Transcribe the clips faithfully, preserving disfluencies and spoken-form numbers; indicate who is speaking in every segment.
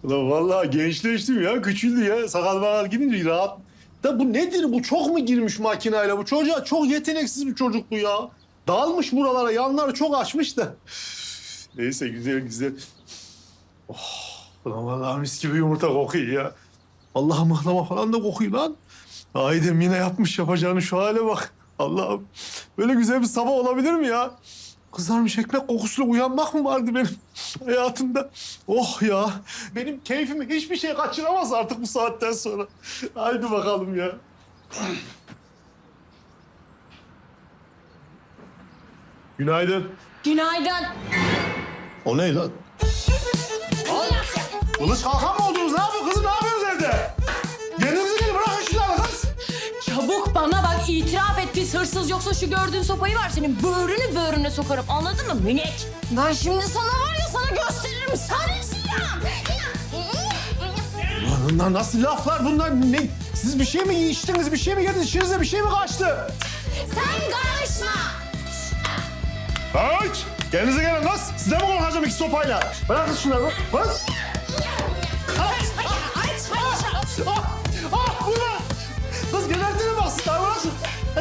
Speaker 1: Ulan vallahi gençleştim ya, küçüldü ya. Sakal bakal gidince rahat. Da bu nedir bu? Çok mu girmiş makinayla bu çocuğa? Çok yeteneksiz bir çocuk bu ya. Dağılmış buralara, yanları çok açmış da. Neyse güzel güzel. Oh, ulan vallahi mis gibi yumurta kokuyor ya. Allah'ım mıhlama falan da kokuyor lan. Aydem yine yapmış yapacağını, şu hale bak. Allah'ım böyle güzel bir sabah olabilir mi ya? Kızarmış ekmek kokusuyla uyanmak mı vardı benim hayatımda? Oh ya, benim keyfimi hiçbir şey kaçıramaz artık bu saatten sonra. Haydi bakalım ya. Günaydın.
Speaker 2: Günaydın.
Speaker 1: O ne lan? Kılıç kalkan mı oldunuz? Ne yapıyorsun kızım? Ne yapıyorsunuz evde? Kendinize gelin, bırakın şunları kız.
Speaker 2: Çabuk bana bak, itiraf et biz hırsız, yoksa şu gördüğün sopayı var senin böğrünü böğrüne sokarım, anladın mı minik? Ben şimdi sana var ya, sana gösteririm sarısıyım.
Speaker 1: Ulan bunlar nasıl laflar bunlar? Ne? Siz bir şey mi içtiniz, bir şey mi yediniz, içinize bir şey mi kaçtı?
Speaker 2: Sen karışma.
Speaker 1: Aç! Kendinize gelin kız. Size mi korkacağım iki sopayla? Bırakın şunları. Kız. Ah! Ah! Bu ne? Kız gebertine bak. Bırak şunu.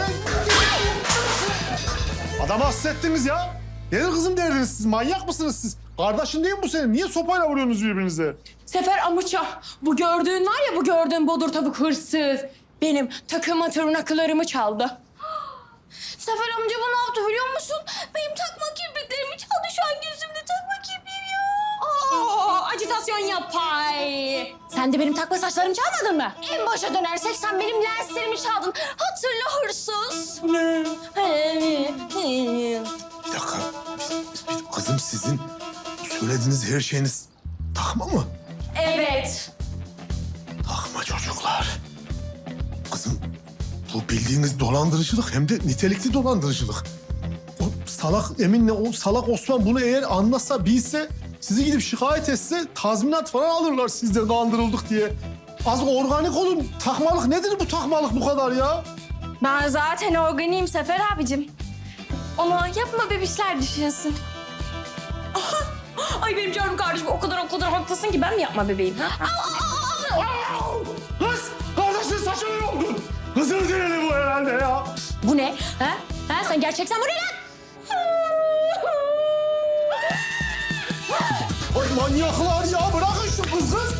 Speaker 1: Adamı hassettiniz ya. Nedir kızım derdiniz siz? Manyak mısınız siz? Kardeşin değil mi bu senin? Niye sopayla vuruyorsunuz birbirinize?
Speaker 2: Sefer Amuça, bu gördüğün var ya, bu gördüğün bodur tavuk hırsız. Benim takıma tırnaklarımı çaldı. Sefer amca bu ne yaptı biliyor musun? Benim takma kirpiklerimi çaldı, şu an gözümde takma kirpiğim yok. Aa, acitasyon yapay. Sen de benim takma saçlarımı çalmadın mı? En başa dönersek sen benim lenslerimi çaldın. Hatırla hırsız.
Speaker 1: Bir dakika. Bir- bir- Kızım sizin söylediğiniz her şeyiniz takma mı?
Speaker 2: Evet.
Speaker 1: Takma çocuklar. Kızım bu bildiğiniz dolandırıcılık, hem de nitelikli dolandırıcılık. O salak Emin'le o salak Osman bunu eğer anlasa, bilse, sizi gidip şikayet etse tazminat falan alırlar sizden kandırıldık diye. Az organik olun. Takmalık nedir bu takmalık bu kadar ya?
Speaker 2: Ben zaten organiyim Sefer abicim. Onu yapma bebişler düşünsün. Ay benim canım kardeşim, o kadar o kadar haklısın ki ben mi yapma bebeğim ha?
Speaker 1: Kız! Kardeşin saçını yoldun. Kızın sinirli bu herhalde ya.
Speaker 2: Bu ne? Ha? Ha? Sen gerçekten bu ne lan?
Speaker 1: Ay manyaklar ya, bırakın şu kız kız.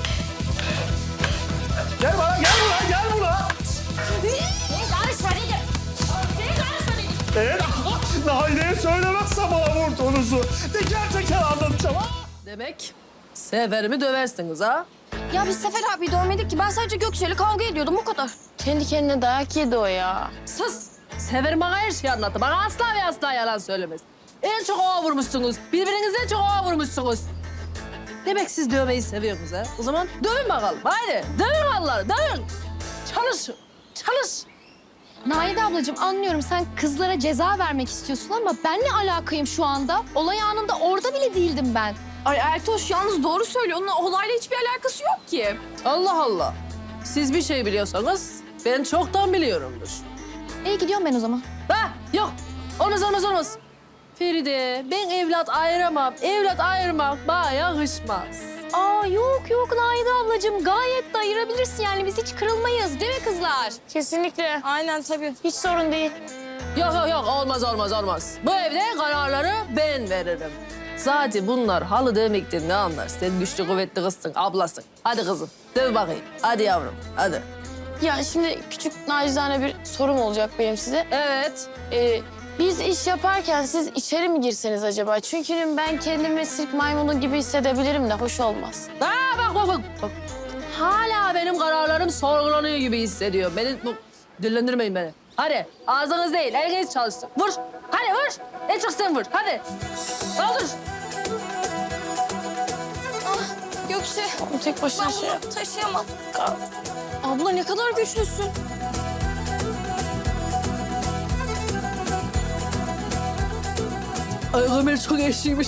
Speaker 1: Gel bana, gel buraya, gel buraya.
Speaker 2: Senin karışma dedim. Senin karışma dedim.
Speaker 1: Eğer Nahide'ye söylemezsem bana vurduğunuzu teker teker anlatacağım ha.
Speaker 3: Demek Seferimi döversiniz ha?
Speaker 2: Ya biz Sefer abi dövmedik ki. Ben sadece Gökçe'yle kavga ediyordum, o kadar. Kendi kendine dayak yedi o ya.
Speaker 3: Sus! Sefer bana her şeyi anlattı. Bana asla ve asla yalan söylemez. En çok ova vurmuşsunuz. Birbirinize en çok ova vurmuşsunuz. Demek siz dövmeyi seviyorsunuz ha? O zaman dövün bakalım. Haydi dövün Allah'ı, dövün. Çalışın, çalış.
Speaker 4: Naide ablacığım anlıyorum, sen kızlara ceza vermek istiyorsun ama ben ne alakayım şu anda? Olay anında orada bile değildim ben.
Speaker 2: Ay Ertoş yalnız doğru söylüyor. Onun olayla hiçbir alakası yok ki.
Speaker 3: Allah Allah. Siz bir şey biliyorsanız ben çoktan biliyorumdur.
Speaker 4: İyi gidiyorum ben o zaman.
Speaker 3: Ha yok. Olmaz olmaz olmaz. Feride ben evlat ayıramam. Evlat ayırmak bana yakışmaz.
Speaker 4: Aa yok yok Naide ablacığım, gayet de ayırabilirsin yani, biz hiç kırılmayız değil mi kızlar?
Speaker 2: Kesinlikle. Aynen tabii.
Speaker 4: Hiç sorun değil.
Speaker 3: Yok yok yok olmaz olmaz olmaz. Bu evde kararları ben veririm. Zaten bunlar halı dövmekten ne anlar? Sen güçlü kuvvetli kızsın, ablasın. Hadi kızım döv bakayım. Hadi yavrum hadi.
Speaker 4: Ya şimdi küçük nacizane bir sorum olacak benim size.
Speaker 3: Evet.
Speaker 4: Ee, biz iş yaparken siz içeri mi girseniz acaba? Çünkü ben kendimi sirk maymunu gibi hissedebilirim de hoş olmaz.
Speaker 3: Ha bak bak bak. bak. Hala benim kararlarım sorgulanıyor gibi hissediyor. Beni bu, dillendirmeyin beni. Hadi ağzınız değil eliniz çalışsın. Vur. Hadi vur. En çok sen vur. Hadi. Saldır.
Speaker 2: Gökçe.
Speaker 4: O tek başına
Speaker 2: Ben
Speaker 4: şey
Speaker 2: bunu
Speaker 4: yap.
Speaker 2: taşıyamam. Abla ne kadar güçlüsün.
Speaker 3: Ay Ömer çok eşliymiş.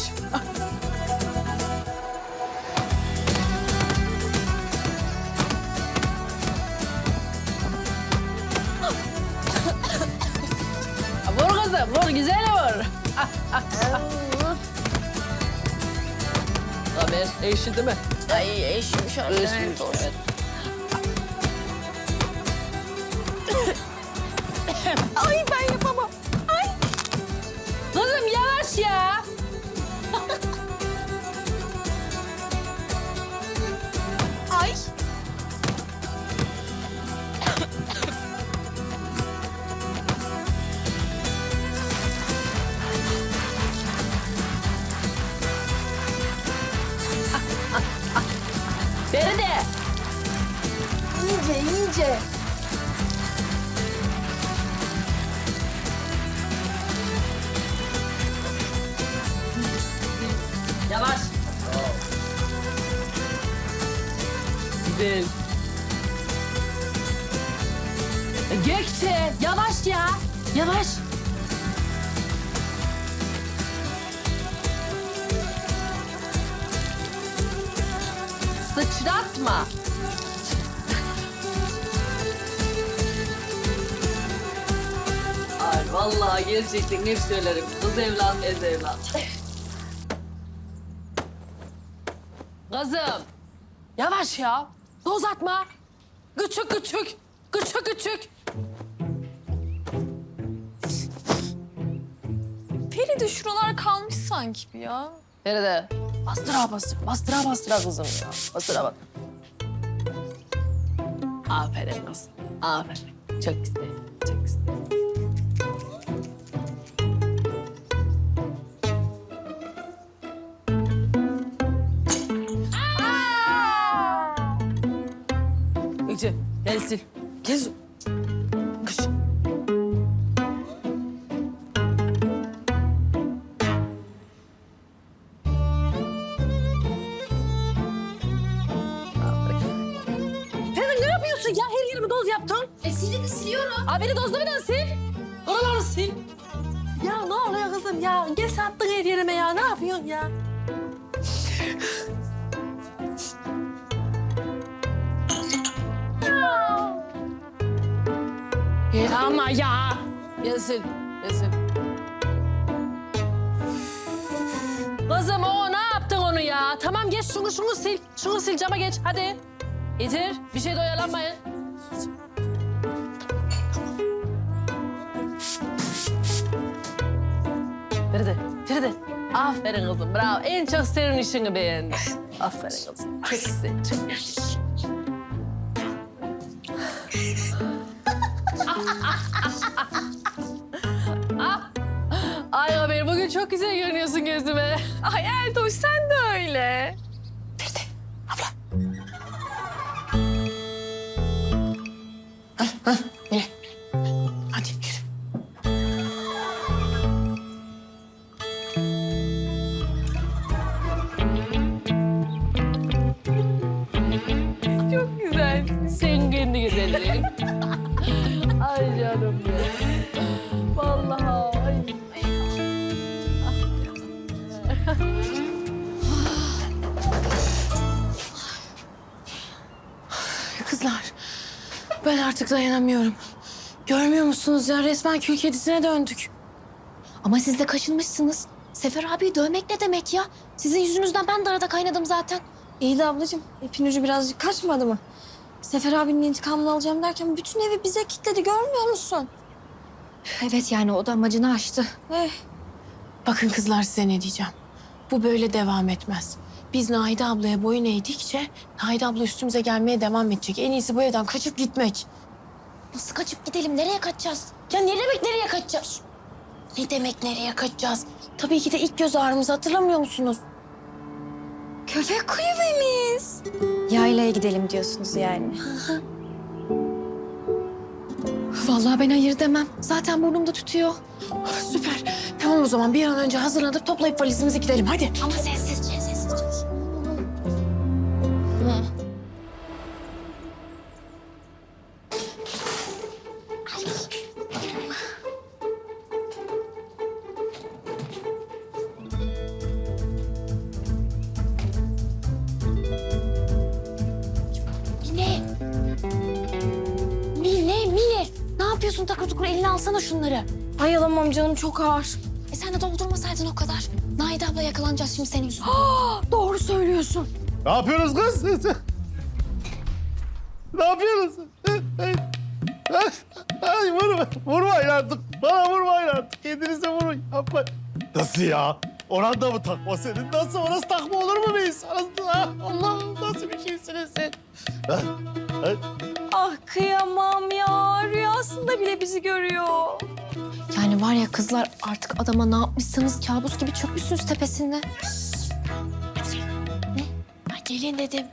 Speaker 3: Vur kızım, vur güzel vur. Ömer eşi değil mi?
Speaker 2: Ay eşim şöyle.
Speaker 3: Ölçmüş, evet.
Speaker 2: Ay ben yapamam. Ay.
Speaker 3: Kızım yavaş ya.
Speaker 2: Ay.
Speaker 3: Feride.
Speaker 2: İyice iyice.
Speaker 3: Yavaş. Güzel. E, Gökçe yavaş ya. Yavaş. Sıçratma. Ay vallahi gerçekten hep söylerim. Kız evlat, ez evlat. Kızım. Yavaş ya. Doz atma. Küçük küçük. Küçük küçük.
Speaker 2: Feride şuralar kalmış sanki bir ya.
Speaker 3: Feride. Bastıra bastıra. Bastıra bastıra kızım ya. Bastıra bak. Aferin kızım. Aferin. Çok güzel. Çok güzel. Gökçe gel sil. Gel. Kış. Feride ne yapıyorsun ya? Her yerimi doz yaptın.
Speaker 4: E sildi siliyorum.
Speaker 3: Abi beni dozla bir daha sil. Oraları sil. Ya ne oluyor kızım ya? Gel sattın her yerime ya. Ne yapıyorsun ya? Ya ama ya. Gel sil. Gel sil. Kızım o ne yaptın onu ya? Tamam geç şunu şunu sil. Şunu sil cama geç hadi. Getir. Bir şey de oyalanmayın. Feride, Feride. Aferin kızım, bravo. En çok senin işini beğendim. Aferin kızım. Çok güzel, çok güzel. Ay haber, bugün çok güzel görünüyorsun gözüme.
Speaker 2: Ay Erdoş sen de öyle.
Speaker 3: Hadi yürü.
Speaker 2: Çok güzelsin.
Speaker 3: Sen kendi güzelliğin. Ay canım ya. Vallahi. Ay.
Speaker 2: Kızlar ben artık dayanamıyorum. Görmüyor musunuz ya resmen kül kedisine döndük.
Speaker 4: Ama siz de kaşınmışsınız. Sefer abiyi dövmek ne demek ya? Sizin yüzünüzden ben de arada kaynadım zaten.
Speaker 2: İyi de ablacığım ipin ucu birazcık kaçmadı mı? Sefer abinin intikamını alacağım derken bütün evi bize kilitledi görmüyor musun?
Speaker 4: Evet yani o da amacını aştı.
Speaker 2: Eh. Bakın kızlar size ne diyeceğim. Bu böyle devam etmez. Biz Nahide ablaya boyun eğdikçe Nahide abla üstümüze gelmeye devam edecek. En iyisi bu evden kaçıp gitmek.
Speaker 4: Nasıl kaçıp gidelim? Nereye kaçacağız?
Speaker 2: Ya ne demek nereye kaçacağız? Ne demek nereye kaçacağız? Tabii ki de ilk göz ağrımızı hatırlamıyor musunuz? Köpek kulübemiz.
Speaker 4: Yaylaya gidelim diyorsunuz yani. Vallahi ben hayır demem. Zaten burnumda tutuyor.
Speaker 2: Süper. Tamam o zaman bir an önce hazırlanıp toplayıp valizimizi gidelim hadi.
Speaker 4: Ama sessizce, sessizce. Mine. Mine, Mine. Ne yapıyorsun takır tukur? Eline alsana şunları.
Speaker 2: Ay alamam canım çok ağır.
Speaker 4: E sen de doldurmasaydın o kadar. Nahide abla yakalanacağız şimdi senin yüzünden.
Speaker 2: Doğru söylüyorsun.
Speaker 1: Ne yapıyorsunuz kız? Ne yapıyorsunuz? Ay vurma, vurmayın artık. Bana vurmayın artık. Kendinize vurun. Yapma. Nasıl ya? Oranda mı takma senin? Nasıl? Orası takma olur mu bir insan? Allah'ım nasıl bir şeysiniz sen? Ha? Ha?
Speaker 2: Ah kıyamam ya. Rüyasında bile bizi görüyor.
Speaker 4: Yani var ya kızlar artık adama ne yapmışsanız kabus gibi çökmüşsünüz tepesinde. Ne? Ay gelin dedim.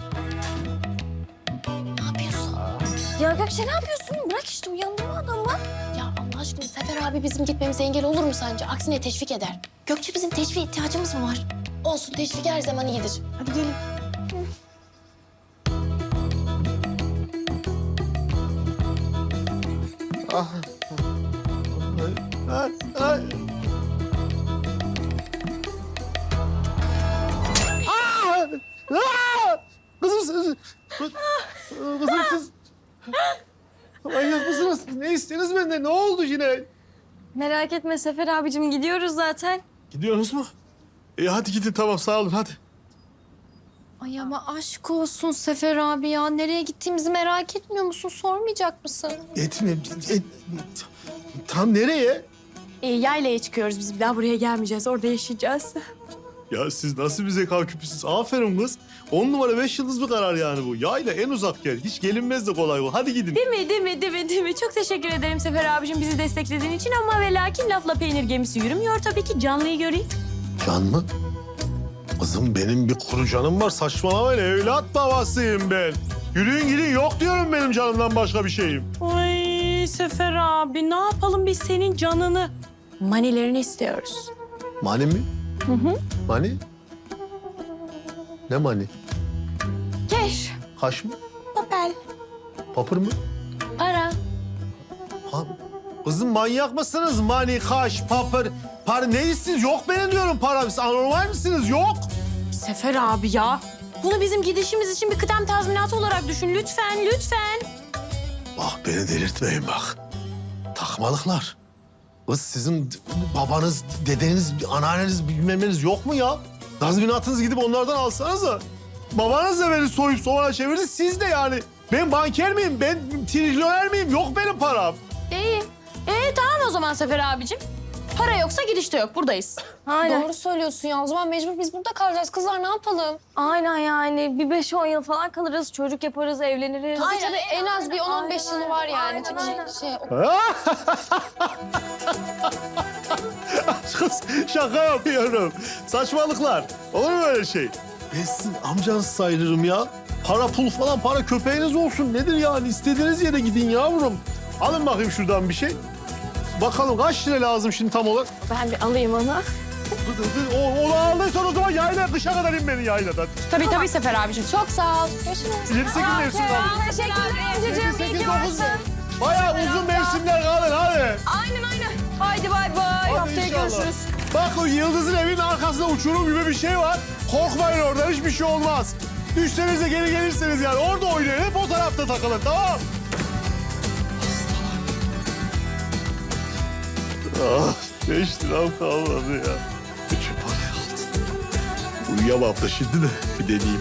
Speaker 4: Ne yapıyorsun?
Speaker 2: Ya Gökçe ne yapıyorsun? Bırak işte uyandırma adamı.
Speaker 4: Ya Allah aşkına Sefer abi bizim gitmemize engel olur mu sence? Aksine teşvik eder. Gökçe bizim teşvik ihtiyacımız mı var? Olsun teşvik her zaman iyidir.
Speaker 2: Hadi gelin.
Speaker 1: Ah. Ay, ay. Ah! Ah! Kızım siz... Kızım siz... Manyak mısınız? Ne istediniz benden? Ne oldu yine?
Speaker 2: Merak etme Sefer abicim gidiyoruz zaten.
Speaker 1: Gidiyorsunuz mu? İyi hadi gidin tamam sağ olun hadi.
Speaker 4: Ay ama aşk olsun Sefer abi ya. Nereye gittiğimizi merak etmiyor musun? Sormayacak mısın?
Speaker 1: Etme. Et, tam nereye?
Speaker 2: E, yaylaya çıkıyoruz biz. Bir daha buraya gelmeyeceğiz. Orada yaşayacağız.
Speaker 1: Ya siz nasıl bir zeka küpüsünüz? Aferin kız. On numara beş yıldız bir karar yani bu. Yayla en uzak yer. Hiç gelinmez de kolay bu. Hadi gidin.
Speaker 2: Değil mi, değil mi, değil mi, değil mi? Çok teşekkür ederim Sefer abicim bizi desteklediğin için ama ve lakin lafla peynir gemisi yürümüyor tabii ki. Canlıyı göreyim.
Speaker 1: Can mı? Kızım benim bir kuru canım var. Saçmalamayın. Evlat babasıyım ben. Yürüyün gidin. Yok diyorum benim canımdan başka bir şeyim.
Speaker 2: Ay Sefer abi ne yapalım biz senin canını? Manilerini istiyoruz.
Speaker 1: Mani mi?
Speaker 2: Hı hı.
Speaker 1: Mani? Ne mani?
Speaker 2: Keş,
Speaker 1: Kaş mı?
Speaker 2: papel,
Speaker 1: Papır mı?
Speaker 2: para.
Speaker 1: Ha, kızım manyak mısınız? Mani, kaş, papır, para ne istiyorsunuz? Yok benim diyorum param. Siz anormal misiniz? Yok.
Speaker 2: Sefer abi ya. Bunu bizim gidişimiz için bir kıdem tazminatı olarak düşün. Lütfen, lütfen.
Speaker 1: Bak beni delirtmeyin bak. Takmalıklar. Kız sizin babanız, dedeniz, anneanneniz bilmem neniz yok mu ya? Tazminatınız gidip onlardan alsanıza. Babanız da beni soyup soğana çevirdi. Siz de yani. Ben banker miyim? Ben trilyoner miyim? Yok benim param.
Speaker 2: İyi. Ee tamam o zaman Sefer abicim. Para yoksa gidişte yok. Buradayız. Aynen.
Speaker 4: Doğru söylüyorsun ya. O zaman mecbur biz burada kalacağız. Kızlar ne yapalım?
Speaker 2: Aynen yani. Bir beş on yıl falan kalırız. Çocuk yaparız, evleniriz.
Speaker 4: Tabii tabii en az bir on on beş yılı var yani.
Speaker 2: Aynen,
Speaker 4: Tabii
Speaker 2: aynen.
Speaker 4: şey,
Speaker 1: Kız şaka yapıyorum. Saçmalıklar. Olur mu öyle şey? Ben sizin amcanız sayılırım ya. Para pul falan para köpeğiniz olsun. Nedir yani? İstediğiniz yere gidin yavrum. Alın bakayım şuradan bir şey. Bakalım kaç lira lazım şimdi tam olarak?
Speaker 2: Ben bir alayım onu.
Speaker 1: O, onu aldıysan o zaman yayla kışa kadar in beni yayladan.
Speaker 2: Tabii tabii Sefer abicim.
Speaker 4: çok sağ ol. Görüşürüz.
Speaker 1: Yedi sekiz mevsim kaldı.
Speaker 2: Teşekkürler
Speaker 1: Yedi
Speaker 2: amcacığım.
Speaker 1: sekiz
Speaker 2: İyi ki
Speaker 1: dokuz.
Speaker 2: varsın.
Speaker 1: Bayağı uzun mevsimler kalın hadi.
Speaker 2: Aynen aynen. Haydi bay bay.
Speaker 1: Hadi
Speaker 2: Haftaya
Speaker 1: inşallah.
Speaker 2: görüşürüz.
Speaker 1: Bak o Yıldız'ın evinin arkasında uçurum gibi bir şey var. Korkmayın oradan hiçbir şey olmaz. Düşseniz de geri gelirseniz yani orada oynayın. Hep o tarafta takılın tamam. Ah, beş liram kalmadı ya. Şu parayı aldım. Uyuyamam da şimdi de bir deneyeyim.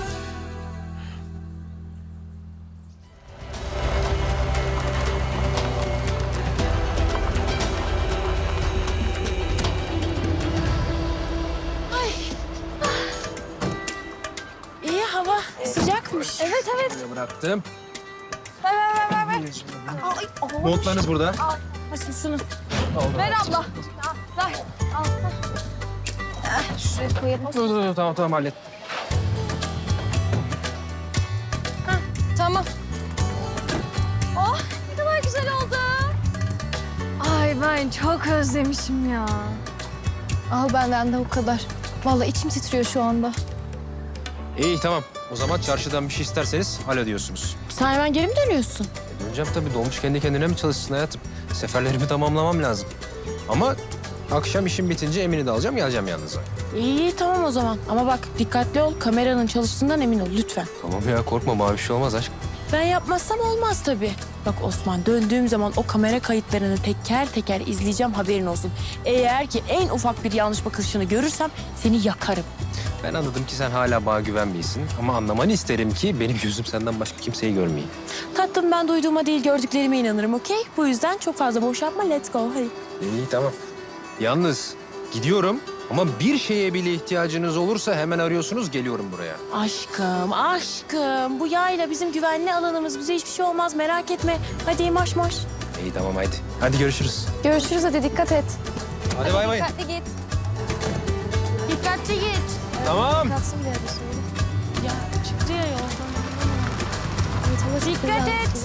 Speaker 2: İyi hava sıcakmış. Evet evet.
Speaker 5: Bıraktım.
Speaker 2: Ver ver ver ver. Ay, ay.
Speaker 5: Montlarınız burada.
Speaker 2: Al. Açın şunu. Ver abla. Al, ver. Al. Eh, şuraya koyalım.
Speaker 5: Dur dur dur tamam tamam hallet.
Speaker 2: Tamam. Oh ne kadar güzel oldu. Ay ben çok özlemişim ya.
Speaker 4: Al benden de o kadar. Vallahi içim titriyor şu anda.
Speaker 5: İyi tamam. O zaman çarşıdan bir şey isterseniz hallediyorsunuz.
Speaker 2: Sen hemen geri mi dönüyorsun?
Speaker 5: E, döneceğim tabii. Dolmuş kendi kendine mi çalışsın hayatım? Seferlerimi tamamlamam lazım. Ama akşam işim bitince Emin'i de alacağım geleceğim yanınıza.
Speaker 2: İyi tamam o zaman. Ama bak dikkatli ol. Kameranın çalıştığından emin ol lütfen.
Speaker 5: Tamam ya korkma mavi bir şey olmaz aşk.
Speaker 2: Ben yapmazsam olmaz tabii. Bak Osman döndüğüm zaman o kamera kayıtlarını teker teker izleyeceğim haberin olsun. Eğer ki en ufak bir yanlış bakışını görürsem seni yakarım.
Speaker 5: Ben anladım ki sen hala bana güvenmiyorsun. Ama anlamanı isterim ki benim gözüm senden başka kimseyi görmeyeyim.
Speaker 2: Tatlım ben duyduğuma değil gördüklerime inanırım okey? Bu yüzden çok fazla boş yapma let's go hadi.
Speaker 5: İyi tamam. Yalnız gidiyorum ama bir şeye bile ihtiyacınız olursa hemen arıyorsunuz, geliyorum buraya.
Speaker 2: Aşkım aşkım bu yayla bizim güvenli alanımız bize hiçbir şey olmaz merak etme. Hadi marş marş.
Speaker 5: İyi tamam haydi. Hadi görüşürüz.
Speaker 4: Görüşürüz, hadi dikkat et.
Speaker 5: Hadi bay bay.
Speaker 4: Dikkatli git.
Speaker 2: Dikkatli git.
Speaker 5: Tamam.
Speaker 4: Kalsın bir yerde söyle.
Speaker 2: Ya çıktı ya yoldan.
Speaker 4: Dikkat et.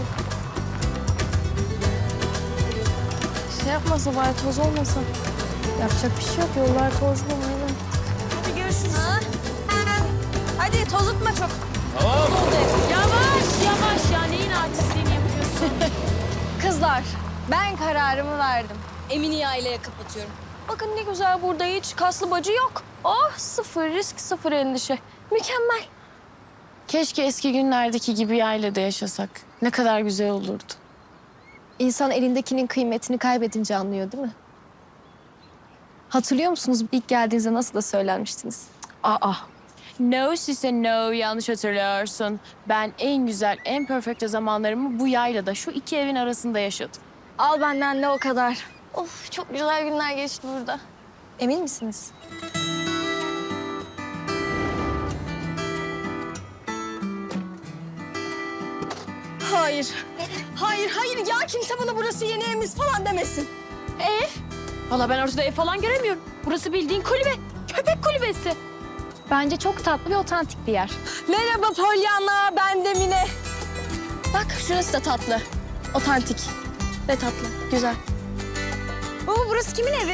Speaker 4: Şey yapmasa bari toz olmasa. Yapacak bir şey yok. Yollar tozlu aynen.
Speaker 2: Hadi görüşürüz. Hadi tozutma çok.
Speaker 5: Tamam.
Speaker 2: Yavaş yavaş ya neyin artistliğini yapıyorsun?
Speaker 4: Kızlar, ben kararımı verdim.
Speaker 2: Emini yaylaya kapatıyorum.
Speaker 4: Bakın ne güzel, burada hiç kaslı bacı yok. Oh, sıfır risk, sıfır endişe. Mükemmel.
Speaker 2: Keşke eski günlerdeki gibi yaylada yaşasak. Ne kadar güzel olurdu.
Speaker 4: İnsan elindekinin kıymetini kaybedince anlıyor değil mi? Hatırlıyor musunuz ilk geldiğinizde nasıl da söylenmiştiniz?
Speaker 2: Aa. No size no yanlış hatırlıyorsun. Ben en güzel, en perfect zamanlarımı bu yaylada şu iki evin arasında yaşadım.
Speaker 4: Al benden de o kadar. Of, çok güzel günler geçti burada. Emin misiniz?
Speaker 2: Hayır. Hayır, hayır ya kimse bana burası yeni evimiz falan demesin. Ev? Valla ben ortada ev falan göremiyorum. Burası bildiğin kulübe. Köpek kulübesi.
Speaker 4: Bence çok tatlı ve otantik bir yer.
Speaker 2: Merhaba Pollyanna, ben de Mine.
Speaker 4: Bak şurası da tatlı. Otantik ve tatlı. Güzel.
Speaker 2: Baba burası kimin evi?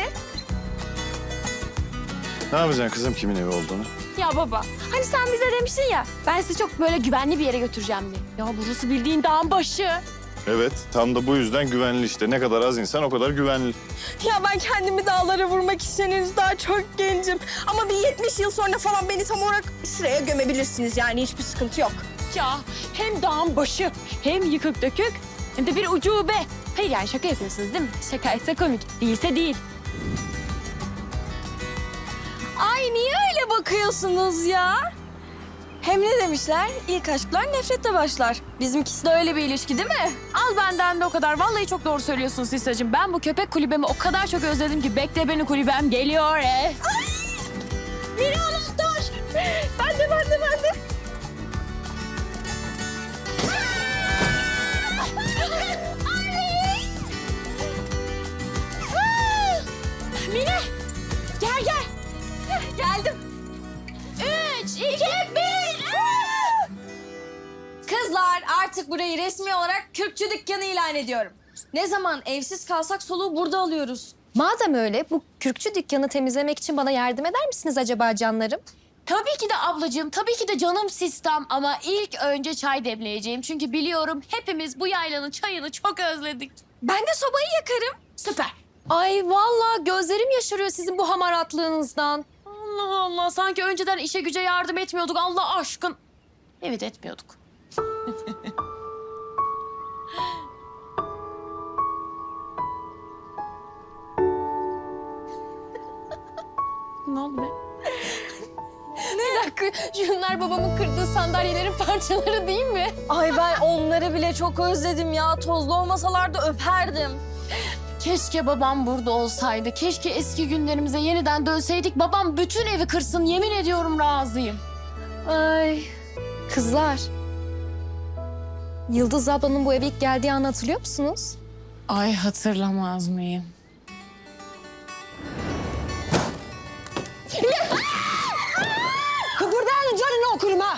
Speaker 6: Ne yapacaksın kızım kimin evi olduğunu?
Speaker 2: Ya baba, hani sen bize demiştin ya, ben sizi çok böyle güvenli bir yere götüreceğim diye. Ya burası bildiğin dağın başı.
Speaker 6: Evet, tam da bu yüzden güvenli işte. Ne kadar az insan o kadar güvenli.
Speaker 2: Ya ben kendimi dağlara vurmak için henüz daha çok gencim. Ama bir yetmiş yıl sonra falan beni tam olarak şuraya gömebilirsiniz yani hiçbir sıkıntı yok. Ya hem dağın başı, hem yıkık dökük, hem de bir ucube. Hayır yani şaka yapıyorsunuz değil mi? Şakaysa komik, değilse değil. Ay niye öyle bakıyorsunuz ya? Hem ne demişler? İlk aşklar nefretle başlar. Bizimkisi de öyle bir ilişki değil mi? Al benden de o kadar. Vallahi çok doğru söylüyorsun Sisacığım. Ben bu köpek kulübemi o kadar çok özledim ki bekle beni kulübem geliyor. E. Ay! Biri anahtar. Ben de ben de ben de. Mine gel gel. Geldim. Üç, iki, bir.
Speaker 7: Kızlar artık burayı resmi olarak Kürkçü dükkanı ilan ediyorum. Ne zaman evsiz kalsak soluğu burada alıyoruz.
Speaker 4: Madem öyle, bu kürkçü dükkanı temizlemek için bana yardım eder misiniz acaba canlarım?
Speaker 2: Tabii ki de ablacığım, tabii ki de canım sistem ama ilk önce çay demleyeceğim. Çünkü biliyorum hepimiz bu yaylanın çayını çok özledik.
Speaker 7: Ben de sobayı yakarım.
Speaker 2: Süper.
Speaker 4: Ay vallahi gözlerim yaşarıyor sizin bu hamaratlığınızdan.
Speaker 2: Allah Allah, sanki önceden işe güce yardım etmiyorduk Allah aşkın. Evet etmiyorduk. Ne oldu be?
Speaker 4: Bir dakika, şunlar babamın kırdığı sandalyelerin parçaları değil mi?
Speaker 7: Ay ben onları bile çok özledim ya. Tozlu olmasalar da öperdim.
Speaker 2: Keşke babam burada olsaydı. Keşke eski günlerimize yeniden dönseydik. Babam bütün evi kırsın. Yemin ediyorum razıyım.
Speaker 4: Ay. Kızlar. Yıldız ablanın bu eve ilk geldiği anı hatırlıyor musunuz?
Speaker 2: Ay hatırlamaz mıyım?
Speaker 7: Kıpırdayanın canını okurum ha.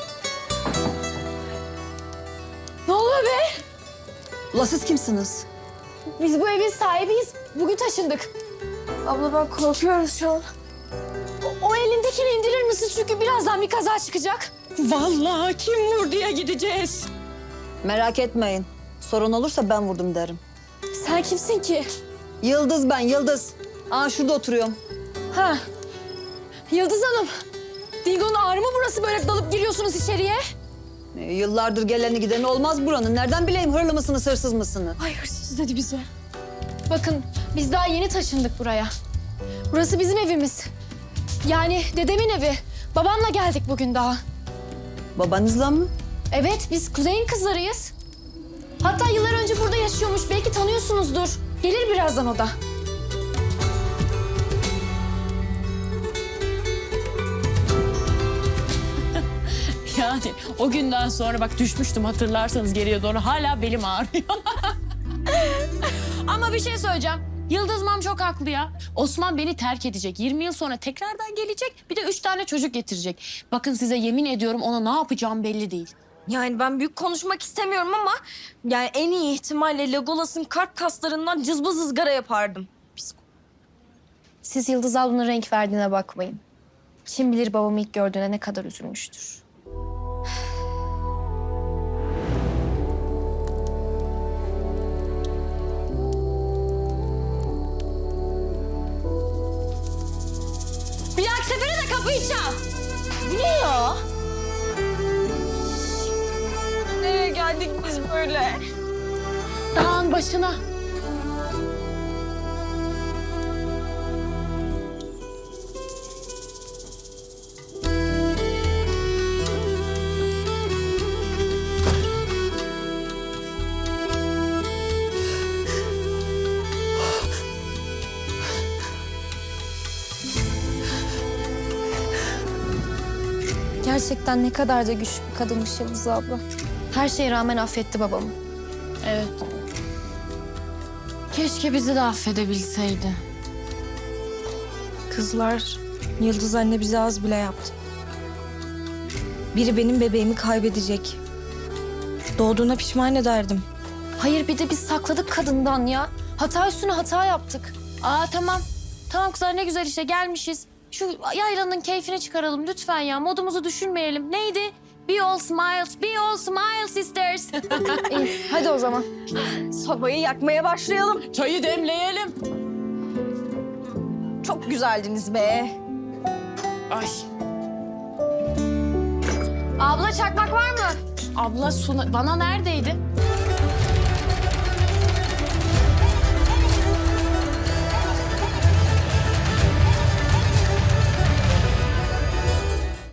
Speaker 2: Ne oluyor be?
Speaker 7: Ula siz kimsiniz?
Speaker 2: Biz bu evin sahibiyiz. Bugün taşındık.
Speaker 7: Abla ben korkuyorum şu an.
Speaker 2: O, o elindekini indirir misin? Çünkü birazdan bir kaza çıkacak. Vallahi kim vurduya gideceğiz.
Speaker 8: Merak etmeyin. Sorun olursa ben vurdum derim.
Speaker 2: Sen kimsin ki?
Speaker 8: Yıldız ben, Yıldız. Aa şurada oturuyorum.
Speaker 2: Ha. Yıldız Hanım. Dingo'nun ağrı mı burası böyle dalıp giriyorsunuz içeriye?
Speaker 8: Ee, yıllardır geleni gideni olmaz buranın. Nereden bileyim hırlı mısınız, hırsız mısınız?
Speaker 2: Ay hırsız dedi bize.
Speaker 4: Bakın biz daha yeni taşındık buraya. Burası bizim evimiz. Yani dedemin evi. Babamla geldik bugün daha.
Speaker 8: Babanızla mı?
Speaker 4: Evet, biz Kuzey'in kızlarıyız. Hatta yıllar önce burada yaşıyormuş. Belki tanıyorsunuzdur. Gelir birazdan o da.
Speaker 2: Yani o günden sonra bak düşmüştüm hatırlarsanız geriye doğru. Hala belim ağrıyor. Ama bir şey söyleyeceğim. Yıldız Mam çok haklı ya. Osman beni terk edecek. yirmi yıl sonra tekrardan gelecek. Bir de üç tane çocuk getirecek. Bakın size yemin ediyorum ona ne yapacağım belli değil.
Speaker 7: Yani ben büyük konuşmak istemiyorum ama yani en iyi ihtimalle Legolas'ın kalp kaslarından cızbız ızgara yapardım.
Speaker 4: Siz Yıldız ablanın renk verdiğine bakmayın. Kim bilir babamı ilk gördüğüne ne kadar üzülmüştür.
Speaker 7: Bir dahaki sefere de kapıyı çal. Bu ne ya? Nereye geldik biz böyle?
Speaker 2: Dağın başına.
Speaker 4: Gerçekten ne kadar da güçlü bir kadınmış Yıldız abla. Her şeye rağmen affetti babamı.
Speaker 2: Evet. Keşke bizi de affedebilseydi.
Speaker 9: Kızlar, Yıldız anne bize az bile yaptı. Biri benim bebeğimi kaybedecek. Doğduğuna pişman ederdim.
Speaker 4: Hayır, bir de biz sakladık kadından ya. Hata üstüne hata yaptık.
Speaker 2: Aa tamam. Tamam kızlar ne güzel işte gelmişiz. Şu yaylanın keyfini çıkaralım lütfen ya. Modumuzu düşünmeyelim. Neydi? Be all smiles, be all smiles sisters.
Speaker 4: İyi, hadi o zaman.
Speaker 7: Sobayı yakmaya başlayalım.
Speaker 2: Çayı demleyelim.
Speaker 7: Çok güzeldiniz be.
Speaker 2: Ay.
Speaker 7: Abla çakmak var mı?
Speaker 2: Abla Suna, bana neredeydi?